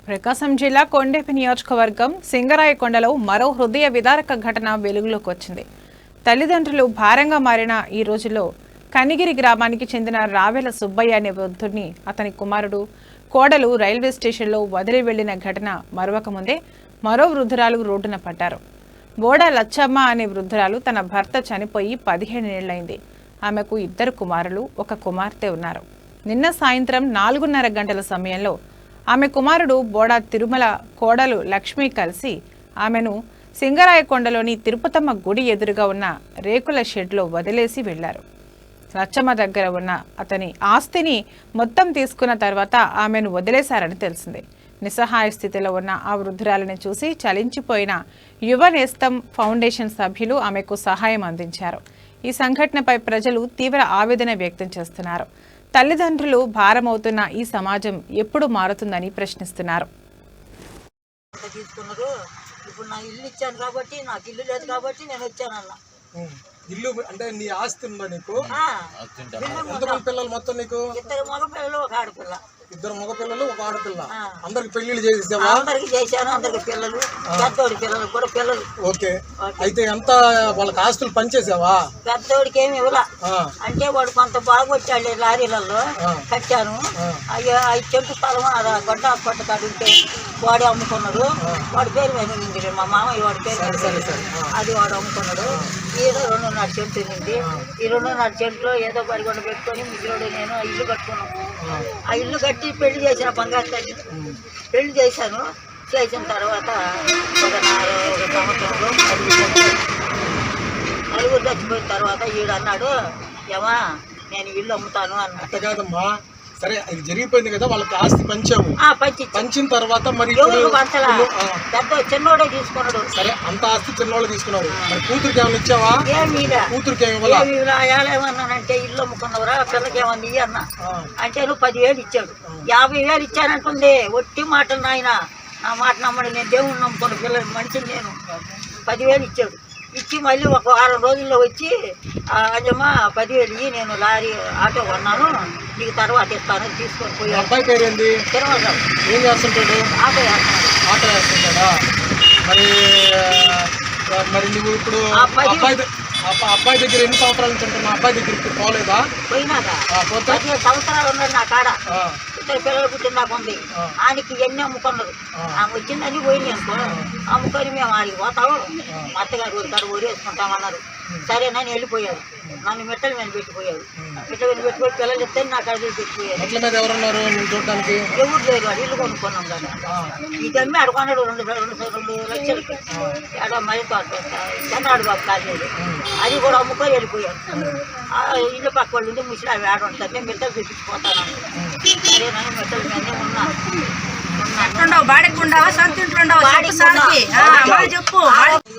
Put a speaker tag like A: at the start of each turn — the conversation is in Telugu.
A: ప్రకాశం జిల్లా కొండేపి నియోజకవర్గం సింగరాయకొండలో మరో హృదయ విదారక ఘటన వెలుగులోకి వచ్చింది. తల్లిదండ్రులు భారంగా మారిన ఈ రోజుల్లో కనిగిరి గ్రామానికి చెందిన రావెల సుబ్బయ్య అనే వృద్ధుడిని అతని కుమారుడు కోడలు రైల్వే స్టేషన్లో వదిలి వెళ్లిన ఘటన మరొక ముందే మరో వృద్ధురాలు రోడ్డున పడ్డారు. బోడ లచ్చమ్మ అనే వృద్ధురాలు తన భర్త చనిపోయి 15 ఏళ్లైంది. ఆమెకు 2 కుమారులు, 1 కుమార్తె ఉన్నారు. నిన్న సాయంత్రం 4:30 గంటల సమయంలో ఆమె కుమారుడు బోడ తిరుమల కోడలు లక్ష్మి కలిసి ఆమెను సింగరాయకొండలోని తిరుపతమ్మ గుడి ఎదురుగా ఉన్న రేకుల షెడ్లో వదిలేసి వెళ్లారు. లచ్చమ్మ దగ్గర ఉన్న అతని ఆస్తిని మొత్తం తీసుకున్న తర్వాత ఆమెను వదిలేశారని తెలిసింది. నిస్సహాయ స్థితిలో ఉన్న ఆ వృద్ధురాలిని చూసి చలించిపోయిన యువ నేస్తం ఫౌండేషన్ సభ్యులు ఆమెకు సహాయం అందించారు. ఈ సంఘటనపై ప్రజలు తీవ్ర ఆవేదన వ్యక్తం చేస్తున్నారు. తల్లిదండ్రులు భారమవుతున్న ఈ సమాజం ఎప్పుడు మారుతుందని ప్రశ్నిస్తున్నారు.
B: ఇప్పుడు నా ఇల్లు ఇచ్చాను కాబట్టి, నాకు ఇల్లు లేదు కాబట్టి నేను వచ్చానన్న.
C: ఇల్లు అంటే నీ ఆస్తి ఉందా నీకు? ఎంతమంది పిల్లలు మొత్తం నీకు?
B: 2 మగపిల్లలు 1 ఆడపిల్ల.
C: 2 మగపిల్లలు 1 ఆడపిల్ల. అందరికి పెళ్లిళ్ళు చేసేసావా?
B: అందరికి చేశాను. అందరికి పిల్లలు, పెద్దోడి పిల్లలు కూడా పిల్లలు.
C: ఓకే. అయితే ఎంత వాళ్ళకి ఆస్తులు పనిచేసావా?
B: పెద్దోడికి ఏమి ఇవ్వలా. అంటే వాడు కొంత బాగొచ్చాడు లారీలలో కట్టాను. అయ్యో 5 చెంటు స్థలం గొడ్డ కాడు ఉంటే వాడు అమ్ముకున్నాడు. వాడి పేరు మీద ఉంది, మా మామయ్య వాడి పేరు అది వాడు అమ్ముకున్నాడు. ఏదో 2.5 చెంటు ఉంది. ఈ 2.5 చెంట్లో ఏదో పరిగొండ పెట్టుకొని మిగిలిన నేను ఇల్లు కట్టుకున్నాను. ఆ ఇల్లు కట్టి పెళ్లి చేసిన బంగారు తల్లి పెళ్లి చేశాను. చేసిన తర్వాత ఒక 4 సంవత్సరంలో 4 చచ్చిపోయిన తర్వాత ఈడు అన్నాడు, ఏమా నేను ఇల్లు అమ్ముతాను అన్నట్టు.
C: కాదమ్మా, సరే అది జరిగిపోయింది కదా, వాళ్ళకి ఆస్తి పంచాము. పంచిన తర్వాత మరి
B: పెద్ద చిన్నోడే తీసుకున్నాడు.
C: సరే, అంత ఆస్తి చిన్నోళ్ళు తీసుకున్నాడు. మరి కూతురికి ఏమైనా ఇచ్చావా? కూతురికి
B: ఏమన్నానంటే ఇల్లు అమ్ముకున్నవరా పిల్లకి ఏమన్నా ఇయ్యి అన్న. అంటే నువ్వు 10,000 ఇచ్చాడు. 50,000 ఇచ్చానంటుంది. ఒట్టి మాటలు నాయన, నా మాట నమ్మడు. నేను దేవుణ్ణి నమ్ముకున్న పిల్లలు మనిషిని. నేను 10,000 ఇచ్చాడు. ఇచ్చి మళ్ళీ ఒక 6 రోజుల్లో వచ్చి అజమ్మా 10,000 ఇయ్యి, నేను లారీ ఆటో కొన్నాను, నీకు తర్వాత ఇస్తాను తీసుకొని పోయి.
C: అబ్బాయి పేరేంది?
B: తిరుమలరావు.
C: ఏం చేస్తుంటాడు?
B: ఆటో వేస్తున్నాడు.
C: ఆటో వేస్తుంటాడా? మరి నువ్వు ఇప్పుడు అబ్బాయి దగ్గర ఎన్ని సంవత్సరాల నుంచి ఉంటున్నా? అబ్బాయి దగ్గరికి పోలేదా?
B: పోయినాక 15 సంవత్సరాలు ఉన్నాడు నా కాడ. 2 పిల్లలు పుట్టిన నాకు ఉంది. ఆయనకి ఎన్ని అమ్ముకున్నారు. ఆమె వచ్చిందని పోయింది అనుకో. అమ్ముకొని మేము ఆడికి పోతాము, మా అత్తగారు ఊరికాడు ఊరేసుకుంటామన్నారు. సరే నన్ను వెళ్ళిపోయారు. నన్ను మెట్టల మీద పెట్టిపోయారు. మెట్టల మీద పెట్టిపోయి పిల్లలు చెప్తే నాకు అడిగి పెట్టిపోయారు.
C: ఎవరున్నారు చూడడానికి?
B: ఎవరు లేరు. వాడు ఇల్లు కొనుక్కున్నాం కదా. ఈ దమ్మి అడుగున్నాడు 2 లక్షలకి. ఎక్కడ మరి చంద్రాడు బాబు కాలేదు. అది కూడా అమ్ముకొని వెళ్ళిపోయారు. ఇల్లు పక్క వాళ్ళు ఉండి ముసలి అవి ఆడ ఉంటారు. నేను మెట్టలు తెప్పించిపోతాను. సరే నన్ను మెట్టల మీదనే ఉన్నా.
D: బాడెక్కుండావా? సొంత ఇంట్లో ఉండవా? చెప్పు.